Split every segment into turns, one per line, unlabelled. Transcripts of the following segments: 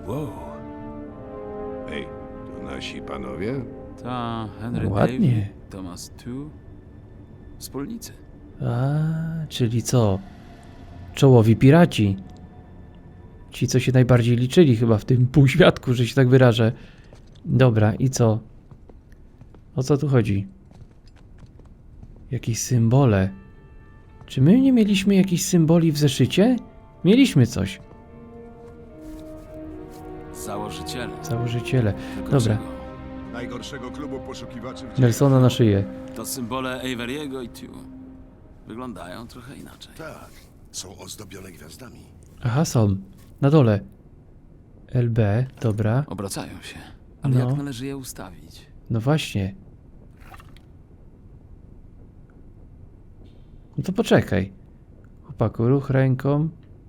Wow. Ej, to nasi panowie?
Ta Henry
Ładnie.
David, Thomas Tu. Wspólnicy.
A, czyli co? Czołowi piraci. Ci, co się najbardziej liczyli chyba w tym półświadku, że się tak wyrażę. Dobra, i co? O co tu chodzi? Jakieś symbole. Czy my nie mieliśmy jakichś symboli w zeszycie? Mieliśmy coś.
Założyciele.
Założyciele.
Tylko
Dobra,
czego?
Najgorszego klubu poszukiwaczy w
Nelsona na szyję.
To symbole Averiego i Tu. Wyglądają trochę inaczej.
Tak, są ozdobione gwiazdami.
Aha, są. Na dole. LB, dobra.
Obracają się. Ale
No.
jak należy je ustawić?
No właśnie. No to poczekaj. Chłopaku, ruch ręką.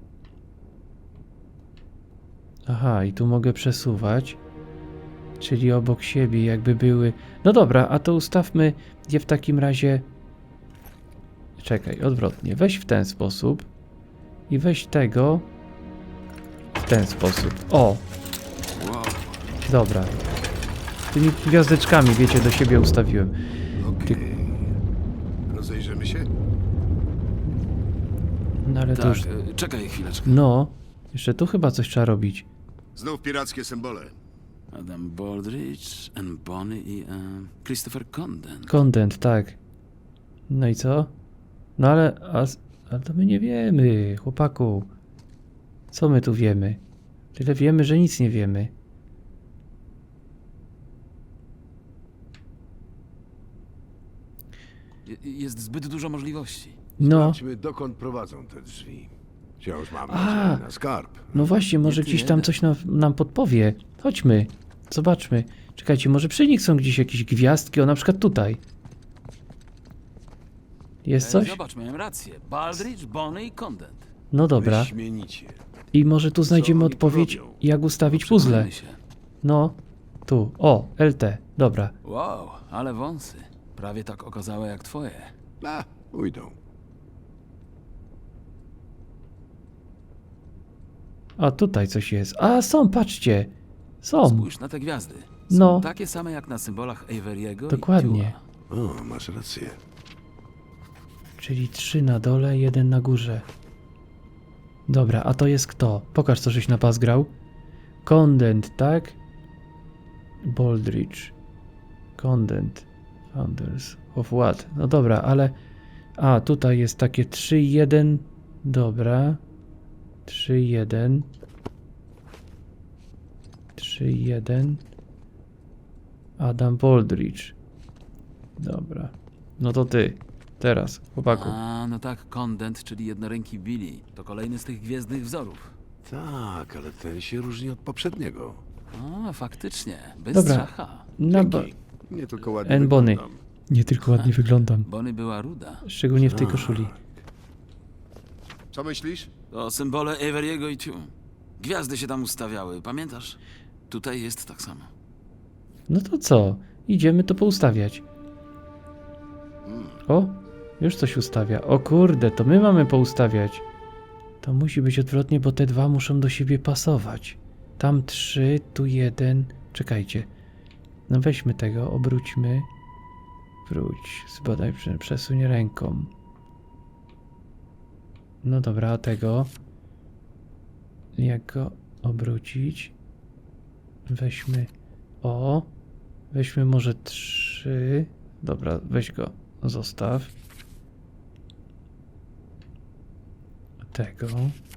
Aha, i tu mogę przesuwać. Czyli obok siebie jakby były... No dobra, a to ustawmy je w takim razie... Czekaj, odwrotnie. Weź w ten sposób. I weź tego... w ten sposób. O!
Wow.
Dobra. Tymi gwiazdeczkami, wiecie, do siebie ustawiłem.
Okej. Rozejrzymy się?
No ale to
Tak,
już...
czekaj chwileczkę.
No, jeszcze tu chyba coś trzeba robić.
Znów pirackie symbole.
Adam Baldridge, Anne Bonny i Christopher Condon.
Content, tak. No i co? No ale... Ale to my nie wiemy, chłopaku. Co my tu wiemy? Tyle wiemy, że nic nie wiemy.
Jest zbyt dużo możliwości.
No,
Sprawdźmy, dokąd prowadzą te drzwi. Wciąż mam
A.
nadzieję na skarb.
no właśnie, może
Nie
gdzieś tam
jeden.
coś nam podpowie. Chodźmy, zobaczmy. Czekajcie, może przy nich są gdzieś jakieś gwiazdki, o na przykład tutaj. Jest coś?
Zobacz, miałem rację. Baldridge, Bonny i Condon.
No dobra.
Wyśmienicie.
I może tu znajdziemy
oni tu
odpowiedź,
robią?
jak ustawić puzzle.
Przekonajmy się.
No, tu. O, LT. Dobra.
Wow, ale wąsy. Prawie tak okazałe jak twoje.
Ujdą.
A tutaj coś jest. A, są, patrzcie. Są.
Spójrz na te gwiazdy. Są
No.
takie same jak na symbolach Averiego
Dokładnie.
i Tua.
O, masz rację.
Czyli 3 na dole, 1 na górze. Dobra, a to jest kto? Pokaż, co żeś na pas grał. Condent, tak? Baldridge. Condent. Founders of what? No dobra, ale... A, tutaj jest takie 3-1. Dobra. 3-1. 3-1. Adam Baldridge. Dobra. No to ty. Teraz, chłopaku.
A, no tak, Condent, czyli jednoręki Billy. To kolejny z tych gwiezdnych wzorów.
Tak, ale ten się różni od poprzedniego.
A, faktycznie. Bez
Dobra.
szacha.
Dzięki. Nie tylko ładnie
N. Bonny.
wyglądam.
Nie tylko ładnie wyglądam.
Bonny była ruda.
Szczególnie w tej koszuli.
Co myślisz?
To symbole Averiego i Tu. Gwiazdy się tam ustawiały, pamiętasz? Tutaj jest tak samo.
No to co? Idziemy to poustawiać. O, już coś ustawia. O kurde, to my mamy poustawiać. To musi być odwrotnie, bo te dwa muszą do siebie pasować. Tam 3, tu 1. Czekajcie. No weźmy tego, obróćmy. Wróć, zbadaj, przesuń ręką. No dobra, a tego? Jak go obrócić? Weźmy... O! Weźmy może 3. Dobra, weź go, zostaw. Tego.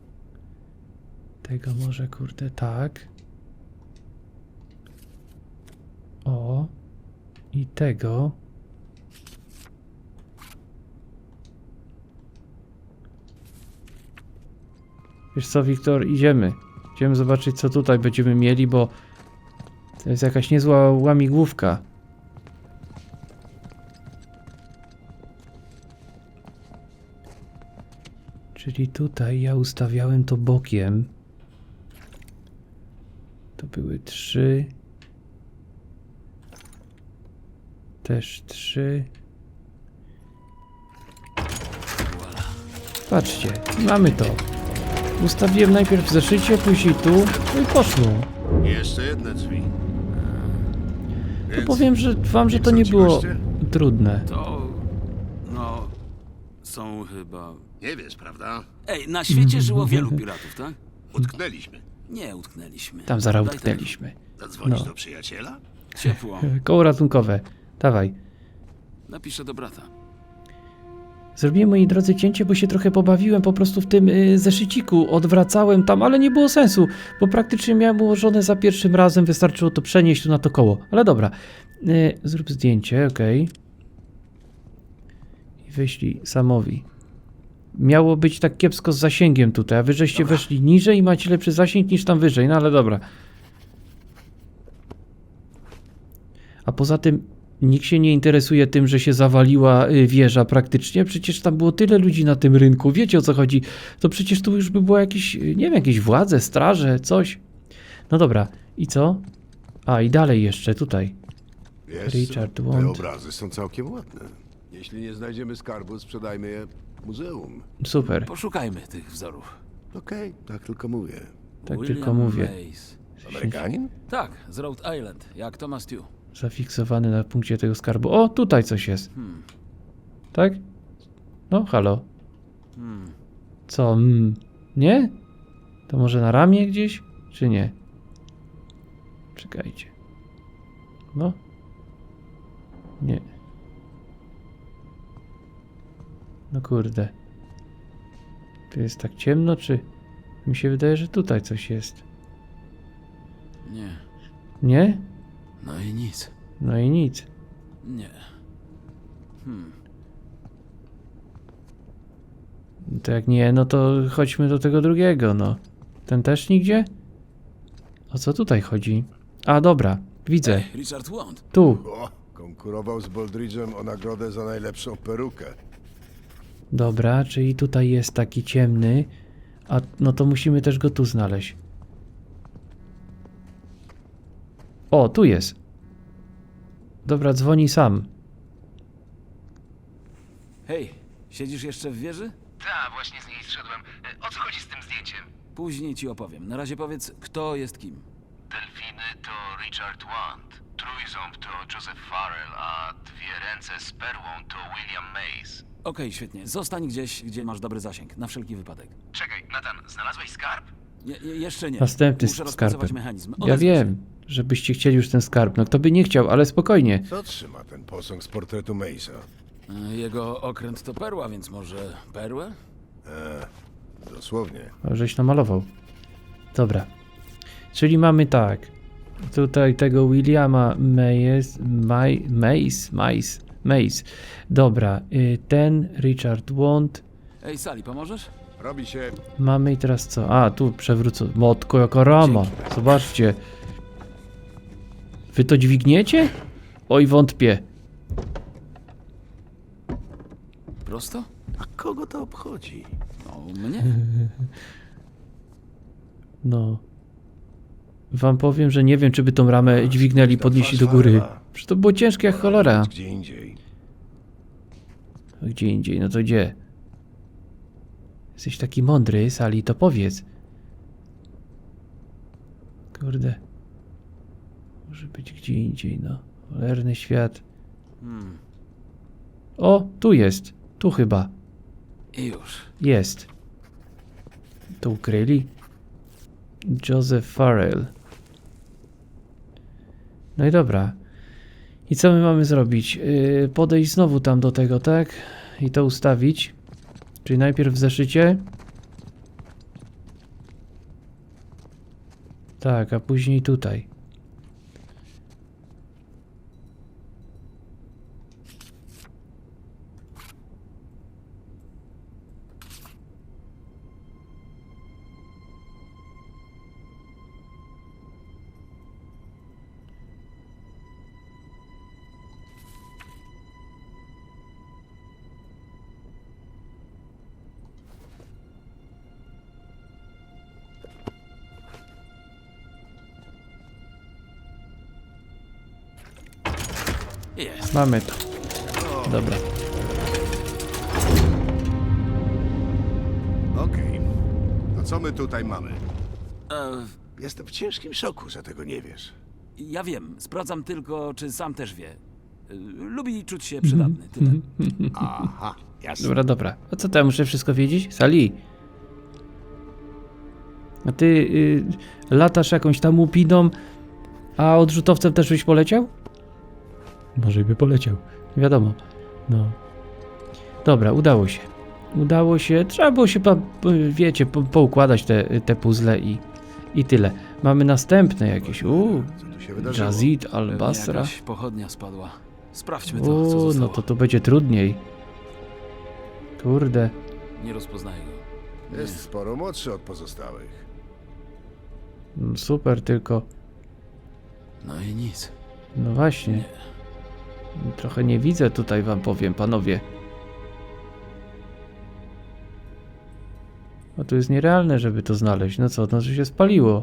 Tego może, kurde, tak. O. I tego. Wiesz co, Wiktor, idziemy. Idziemy zobaczyć, co tutaj będziemy mieli, bo to jest jakaś niezła łamigłówka. Czyli tutaj ja ustawiałem to bokiem. To były 3. Też 3. Patrzcie, mamy to. Ustawiłem najpierw w zeszycie, później tu, no i poszło.
Jeszcze jedne drzwi.
To powiem, że wam, że to nie było trudne.
To... no... są chyba...
Nie wiesz, prawda?
Ej, na świecie żyło wielu piratów, tak?
Utknęliśmy.
Nie utknęliśmy.
Tam zaraz
Daj
utknęliśmy.
Zadzwonić
No.
do przyjaciela?
tak. Ciepło.
Koło ratunkowe. Dawaj.
Napiszę do brata.
Zrobiłem, moi drodzy, cięcie, bo się trochę pobawiłem po prostu w tym zeszyciku. Odwracałem tam, ale nie było sensu, bo praktycznie miałem ułożone za pierwszym razem. Wystarczyło to przenieść tu na to koło. Ale dobra. Zrób zdjęcie, ok. I wyślij Samowi. Miało być tak kiepsko z zasięgiem tutaj, a wy żeście weszli niżej i macie lepszy zasięg niż tam wyżej, no ale dobra. A poza tym nikt się nie interesuje tym, że się zawaliła wieża praktycznie. Przecież tam było tyle ludzi na tym rynku. Wiecie, o co chodzi? To przecież tu już by było jakieś, nie wiem, jakieś władze, straże, coś. No dobra. I co? A, i dalej jeszcze, tutaj.
Wiesz,
Richard
te
Wand.
obrazy są całkiem ładne. Jeśli nie znajdziemy skarbu, sprzedajmy je muzeum.
Super.
Poszukajmy tych wzorów.
Okej, tak tylko mówię.
Tak
William
tylko mówię.
Mays.
Amerykanin?
Tak, z Rhode Island, jak Thomas Tew.
Zafiksowany na punkcie tego skarbu. O, tutaj coś jest. Tak? No, halo. Co? Nie? To może na ramię gdzieś? Czy nie? Czekajcie. No. Nie. No kurde. Tu jest tak ciemno, czy... Mi się wydaje, że tutaj coś jest.
Nie.
Nie?
No i nic.
No i nic.
Nie.
To jak nie, no to chodźmy do tego drugiego, no. Ten też nigdzie? O co tutaj chodzi? A, dobra, widzę.
Ej, Richard Wand.
Tu.
O, konkurował z Boldridge'em o nagrodę za najlepszą perukę.
Dobra, czyli tutaj jest taki ciemny. A no to musimy też go tu znaleźć. O, tu jest. Dobra, dzwoni sam.
Hej, siedzisz jeszcze w wieży?
Ta, właśnie z niej zszedłem. O co chodzi z tym zdjęciem?
Później ci opowiem. Na razie powiedz, kto jest kim.
Delfiny to Richard Wand, trójząb to Joseph Farrell, a dwie ręce z perłą to William Mays.
Okej, świetnie. Zostań gdzieś, gdzie masz dobry zasięg. Na wszelki wypadek.
Czekaj, Nathan, znalazłeś skarb?
Jeszcze nie.
Następny
Muszę
z
rozpracować
skarbem.
mechanizm.
Ja
Odezwę się.
wiem, żebyście chcieli już ten skarb. No kto by nie chciał, ale spokojnie.
Co trzyma ten posąg z portretu Maysa?
Jego okręt to perła, więc może perłę?
Dosłownie.
O, żeś namalował. Dobra. Czyli mamy tak. Tutaj tego Williama Mays. Dobra. Ten Richard Wand.
Ej, Sally, pomożesz?
Robi się.
Mamy i teraz co? A, tu przewrócę. Motko jaka rama.
Dzięki.
Zobaczcie. Wy to dźwigniecie? Oj, wątpię.
Prosto?
A kogo to obchodzi?
No, mnie?
No. Wam powiem, że nie wiem, czy by tą ramę dźwignęli,
ta
podnieśli
twarz
do góry.
Farrella.
Przecież to było ciężkie jak cholera.
Gdzie indziej.
Gdzie indziej, no to gdzie? Jesteś taki mądry, Sali, to powiedz. Kurde. Może być gdzie indziej, no. Cholerny świat. O, tu jest. Tu chyba.
I już.
Jest. To ukryli? Joseph Farrell. No i dobra. I co my mamy zrobić? Podejść znowu tam do tego, tak? I to ustawić. Czyli najpierw w zeszycie. Tak, a później tutaj.
Jest.
Mamy to. Dobra.
Okej. To co my tutaj mamy?
E,
Jestem w ciężkim szoku, że tego nie wiesz.
ja wiem, sprawdzam tylko, czy sam też wie. Lubi czuć się przydatny, tyle.
Aha, jasne.
Dobra, dobra. A co to ja muszę wszystko wiedzieć? Sali. A ty latasz jakąś tam łupiną, a odrzutowcem też byś poleciał? Może by poleciał. Nie wiadomo. No. Dobra, udało się. Udało się. Trzeba było się, wiecie, poukładać te puzzle i tyle. Mamy następne jakieś.
Co tu się wydarzyło?
Jazid
Pewnie
Al-Basra.
jakaś pochodnia spadła. Sprawdźmy to, co zostało.
No to tu będzie trudniej. Kurde.
Nie rozpoznaję go.
Jest sporo młodszy od pozostałych.
Super, tylko...
No i nic.
No właśnie. Trochę nie widzę tutaj, wam powiem, panowie. No to jest nierealne, żeby to znaleźć. No co, no to się spaliło.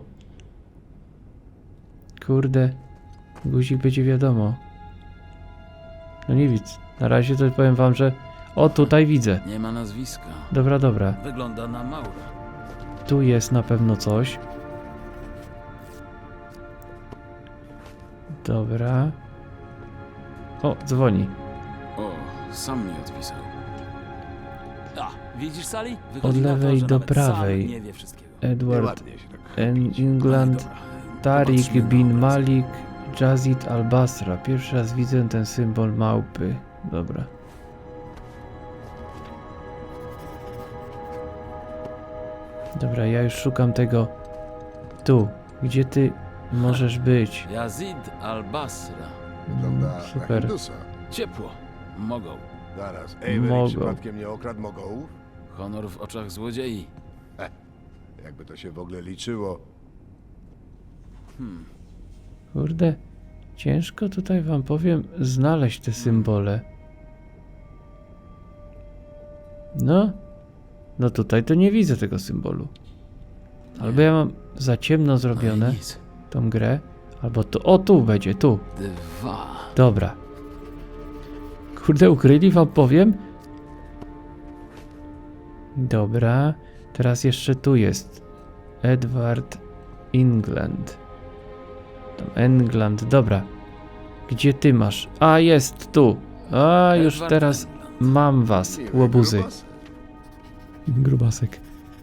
Kurde. Guzik będzie wiadomo. No nie widzę. Na razie to powiem wam, że... O, tutaj widzę.
Nie ma nazwiska.
Dobra, dobra.
Wygląda na Maura.
Tu jest na pewno coś. Dobra. O, dzwoni.
O, sam mi odpisał. A, widzisz Sally?
Od
Wychodzi na to,
lewej
że
do
nawet
prawej.
Sam nie wie wszystkiego.
Edward
Nieładnie się tak
England,
Dobra,
Tariq
popatrzmy na
bin
obraz.
Malik, Jazid Al-Basra. Pierwszy raz widzę ten symbol małpy. Dobra. Dobra, ja już szukam tego. Tu. Gdzie ty możesz być?
Yazid al-Basra.
wygląda na
Super.
Hindusa.
Ciepło. Mogą.
Zaraz, Avery
Mogą.
przypadkiem nie okradł mogołów?
Honor w oczach złodziei.
Jakby to się w ogóle liczyło.
Kurde. Ciężko tutaj wam powiem znaleźć te symbole. No. No tutaj to nie widzę tego symbolu. Albo ja mam za ciemno
No
zrobione
i nic.
tą grę, albo tu. O, tu będzie, tu.
2.
Dobra. Kurde, ukryli wam powiem. Dobra. Teraz jeszcze tu jest. Edward England. Tam England, dobra. Gdzie ty masz? A, jest tu. A, już
Edward
teraz
England.
mam was,
Miły
łobuzy.
grubas.
Grubasek.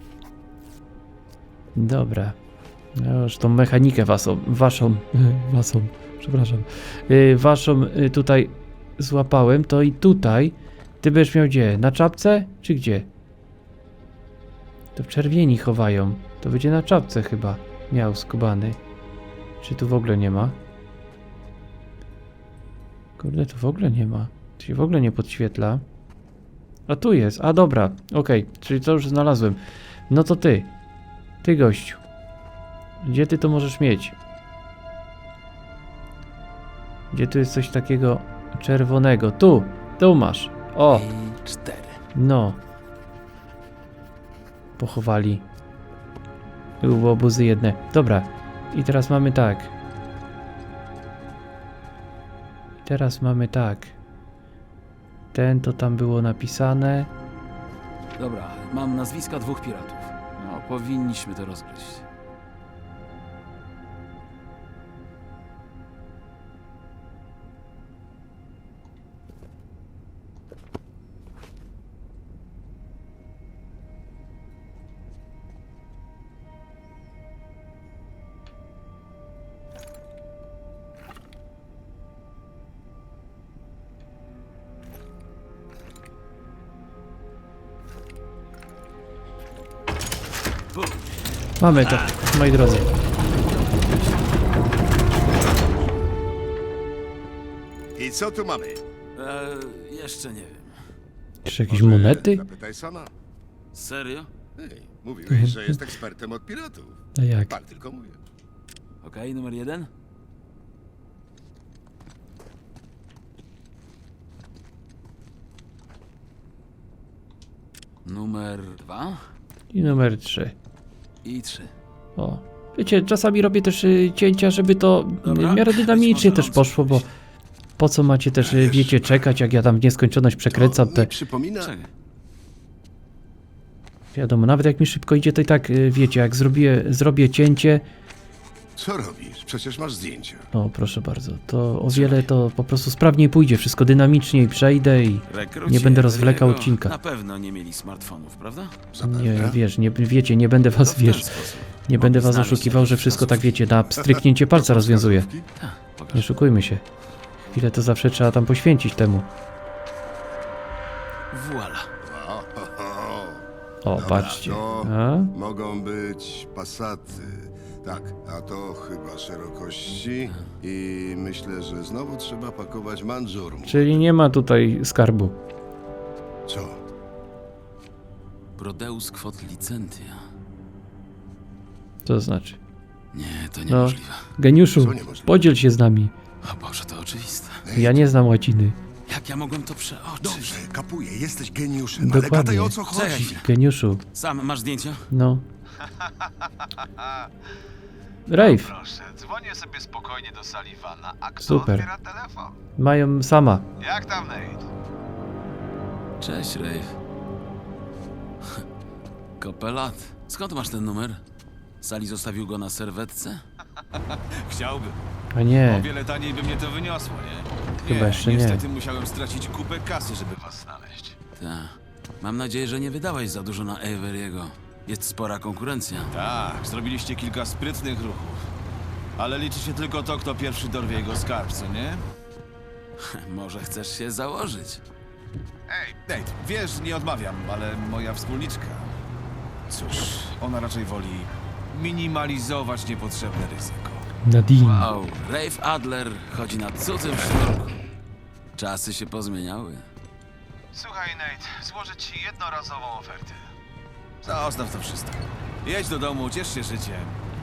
Dobra. Ja już tą mechanikę waszą, przepraszam, waszą tutaj złapałem, to i tutaj ty będziesz miał gdzie? Na czapce, czy gdzie? To w czerwieni chowają. To będzie na czapce chyba miał skubany. Czy tu w ogóle nie ma? Kurde, tu w ogóle nie ma. Tu się w ogóle nie podświetla. A tu jest. A dobra, okej. Czyli to już znalazłem. No to ty. Ty gościu. Gdzie ty to możesz mieć? Gdzie tu jest coś takiego czerwonego? Tu. Tu masz. O.
I 4.
No. Pochowali. Były obozy jedne. Dobra. I teraz mamy tak. Ten to tam było napisane.
Dobra, mam nazwiska 2 piratów. No, powinniśmy to rozgryźć.
Mamy to, moi drodzy.
I co tu mamy?
Jeszcze nie wiem.
Czy jakieś
Może
monety?
Zapytaj sama.
Serio?
Hej, mówiłeś, że jest ekspertem od piratów.
A jak?
Pan tylko mówię.
Okej, numer 1. Numer 2
I numer 3.
i 3.
O. Wiecie, czasami robię też cięcia, żeby to
Dobra,
w miarę dynamicznie
weź
też
może
poszło, bo po co macie też, wiecie, czekać, jak ja tam w nieskończoność przekręcam
To
te...
mi przypomina...
Czekaj.
Wiadomo, nawet jak mi szybko idzie, to i tak, wiecie, jak zrobię cięcie,
Co robisz? Przecież masz zdjęcia.
no proszę bardzo, to o wiele to po prostu sprawniej pójdzie, wszystko dynamiczniej przejdę i
Rekruci
nie będę rozwlekał
Everiego
odcinka.
Na pewno nie mieli smartfonów, prawda?
Nie,
Zapewne.
wiesz, nie, wiecie, nie będę was,
To w ten
wiesz,
sposób.
nie będę was
Znaleźć
oszukiwał, że
jakiś
wszystko
sposób.
tak, wiecie, na stryknięcie palca rozwiązuje.
Tak, pokaż.
Nie oszukujmy się. Chwilę to zawsze trzeba tam poświęcić temu.
Voila.
O,
Dobra,
patrzcie.
to
A?
mogą być Passaty. Tak, a to chyba szerokości i myślę, że znowu trzeba pakować Mandżurmu.
Czyli nie ma tutaj skarbu.
Co?
Prodeus quod licentia.
Co to znaczy?
Nie, to
No,
niemożliwe.
geniuszu,
Co niemożliwe?
podziel się z nami.
O Boże, to oczywiste.
Ja nie znam łaciny.
Jak ja mogłem to przeoczyć?
Dobrze, kapuję, jesteś geniuszem,
Dokładnie.
ale gadaj o co
Czekaj
chodzi.
chwilę.
Geniuszu,
Sam masz zdjęcia?
no. Rave,
Proszę, dzwonię sobie spokojnie do Sullivana, a kto
Super.
odbiera telefon?
mają sama.
Jak tam, Nate?
Cześć, Rave. Kopelat. Skąd masz ten numer? Sali zostawił go na serwetce?
Chciałbym.
A
O
nie,
wiele taniej by mnie to wyniosło, nie?
Chyba jeszcze nie.
Niestety musiałem stracić kupę kasy, żeby was znaleźć.
Tak. Mam nadzieję, że nie wydałeś za dużo na Everiego. Jest spora konkurencja.
Tak, zrobiliście kilka sprytnych ruchów. Ale liczy się tylko to, kto pierwszy dorwie jego skarb, co nie?
Może chcesz się założyć?
Ej, Nate, wiesz, nie odmawiam, ale moja wspólniczka... Cóż, ona raczej woli minimalizować niepotrzebne ryzyko.
Nadine.
Wow, Rafe Adler chodzi na cudzym sznurku. Czasy się pozmieniały.
Słuchaj, Nate, złożę ci jednorazową ofertę. Zostaw to wszystko. Jedź do domu, ciesz się życiem.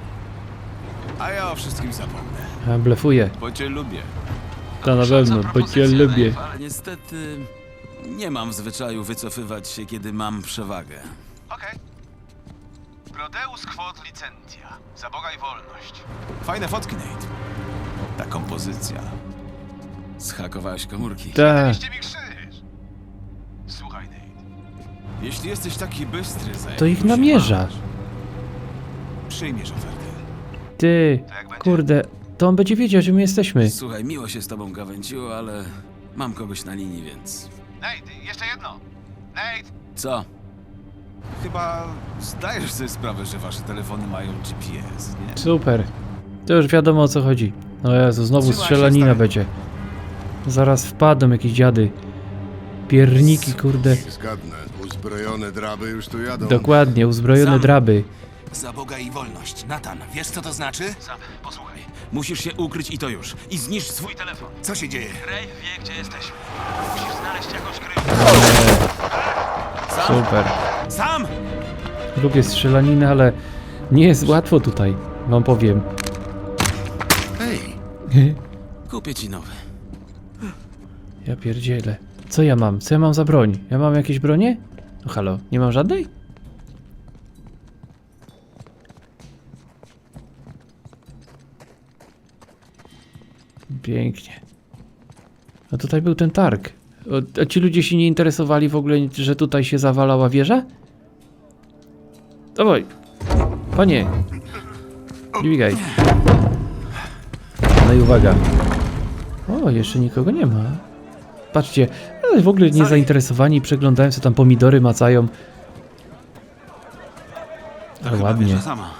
A ja o wszystkim zapomnę,
A, blefuję.
bo cię lubię.
To na pewno, bo cię lubię.
Rave, ale niestety nie mam w zwyczaju wycofywać się, kiedy mam przewagę.
Okej. Prodeus quod licentia. Za Boga i wolność. Fajne fotki, Nate. Ta kompozycja.
Zhakowałeś komórki.
Tak,
Daliście mi krzyż. Słuchaj, Nate. Jeśli jesteś taki bystry,
to ich namierza.
Przyjmiesz ofertę.
Ty,
To jak będzie?
kurde, to on będzie wiedział, że my jesteśmy.
Słuchaj, miło się z tobą gawędziło, ale mam kogoś na linii, więc...
Nate, jeszcze jedno. Nate,
Co?
chyba zdajesz sobie sprawę, że wasze telefony mają GPS, nie?
Super. To już wiadomo o co chodzi. O Jezu, znowu
Trzymaj się,
strzelanina
stary.
będzie. Zaraz wpadną jakieś dziady. Pierniki, kurde.
Zgadnę, uzbrojone draby już tu jadą.
Dokładnie, uzbrojone
Sam.
draby.
Za Boga i wolność. Natan, wiesz co to znaczy?
Sam, posłuchaj.
Musisz się ukryć i to już. I zniszcz swój telefon.
Co się dzieje?
Ray wie, gdzie jesteśmy. Musisz znaleźć jakąś kryjówkę.
Super.
Sam!
Lubię strzelaninę, ale nie jest łatwo tutaj, wam powiem.
Hej,
Kupię ci nowy.
Ja pierdzielę. Co ja mam? Co ja mam za broń? Ja mam jakieś bronie? No halo, nie mam żadnej? Pięknie. A tutaj był ten targ. A ci ludzie się nie interesowali w ogóle, że tutaj się zawalała wieża? Dawaj. Panie. Dźwigaj. No i uwaga. O, jeszcze nikogo nie ma. Patrzcie, ale w ogóle nie zainteresowani, przeglądają sobie tam pomidory, macają. Ale
Chyba
ładnie.
wieża sama.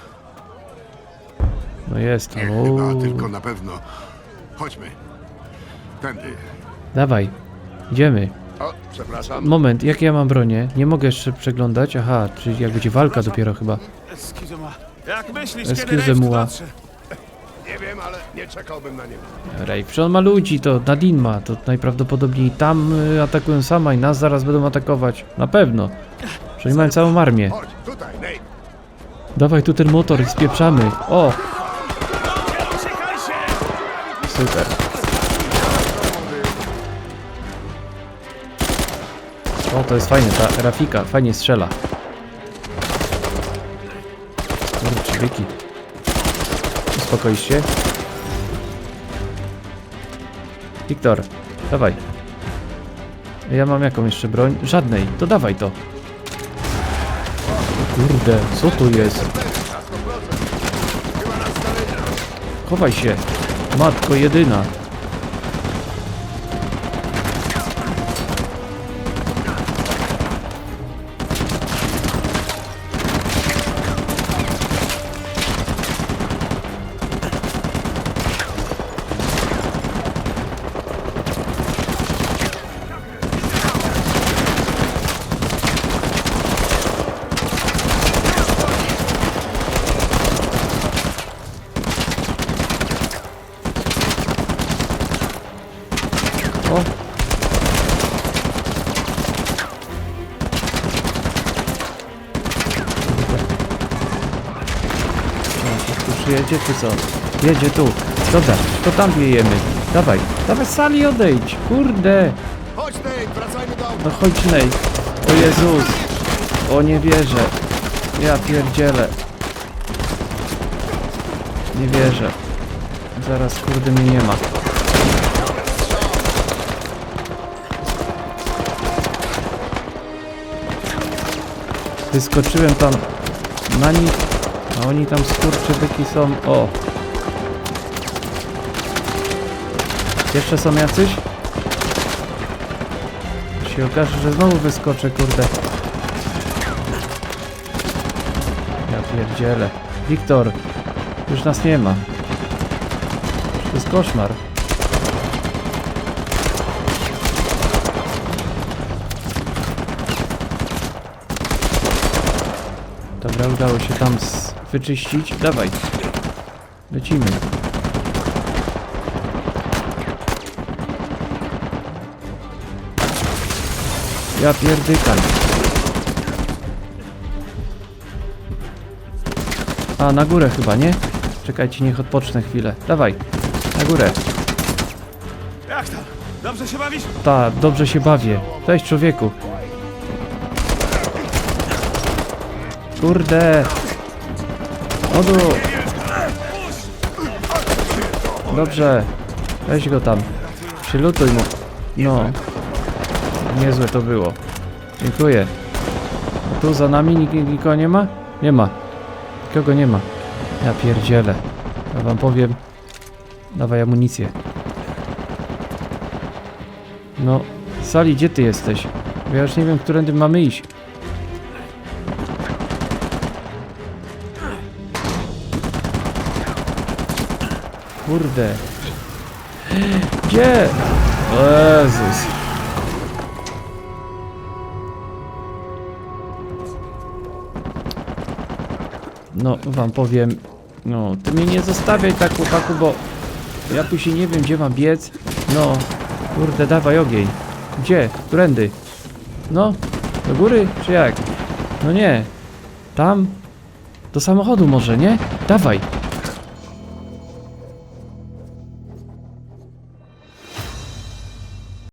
No jest tam.
nie chyba,
Uuu.
tylko na pewno. Chodźmy. Tędy.
Dawaj, idziemy.
O, przepraszam.
Moment, jakie ja mam bronię? Nie mogę jeszcze przeglądać. Aha, czyli jak będzie walka dopiero chyba.
Excuse-moi. Jak myślisz,
Excuse
kiedy Rave tu
moi.
dotrze?
Nie wiem, ale nie czekałbym na niego.
Rave, przecież on ma ludzi, to Nadine ma. To najprawdopodobniej tam atakują sama i nas zaraz będą atakować. Na pewno. Że oni mają całą armię.
Chodź, tutaj, Nate.
Dawaj tu ten motor i spieprzamy. O! Super. O, to jest fajne, ta Rafika fajnie strzela. Kurczybyki. Uspokoi się. Wiktor, dawaj. Ja mam jaką jeszcze broń? Żadnej, to dawaj to. Kurde, co tu jest? Chowaj się, matko jedyna. O! Tu przyjedzie czy co? Jedzie tu. Dobra, to tam wiejemy. Dawaj, dawaj Sali odejdź. Kurde.
Chodź, Nate, wracajmy do auta.
No chodź nej. O Jezus. O nie wierzę. Ja pierdzielę. Nie wierzę. Zaraz kurde mnie nie ma. Wyskoczyłem tam na nich, a oni tam skurczybyki są. O! Jeszcze są jacyś? Się okaże, że znowu wyskoczę, kurde. Ja pierdzielę. Wiktor, już nas nie ma. To jest koszmar. Dobra, udało się tam wyczyścić. Dawaj. Lecimy. Ja pierdykam. A, na górę chyba, nie? Czekajcie, niech odpocznę chwilę. Dawaj, na górę.
Jak tam? Dobrze się bawisz?
Ta, dobrze się bawię. Cześć, człowieku. Kurde. Odu. Dobrze. Weź go tam. Przylutuj mu. No. Niezłe to było. Dziękuję. A tu za nami nikogo nie ma? Nie ma. Nikogo nie ma. Ja pierdzielę. Ja wam powiem. Dawaj amunicję. No. Sali, gdzie ty jesteś? Bo ja już nie wiem, którędy mamy iść. Kurde. Gdzie? O Jezus. No, wam powiem. No, ty mnie nie zostawiaj tak, chłopaku, bo ja tu się nie wiem, gdzie mam biec. No, kurde, dawaj ogień. Gdzie? Którędy? No, do góry, czy jak? No nie. Tam? Do samochodu może, nie? Dawaj.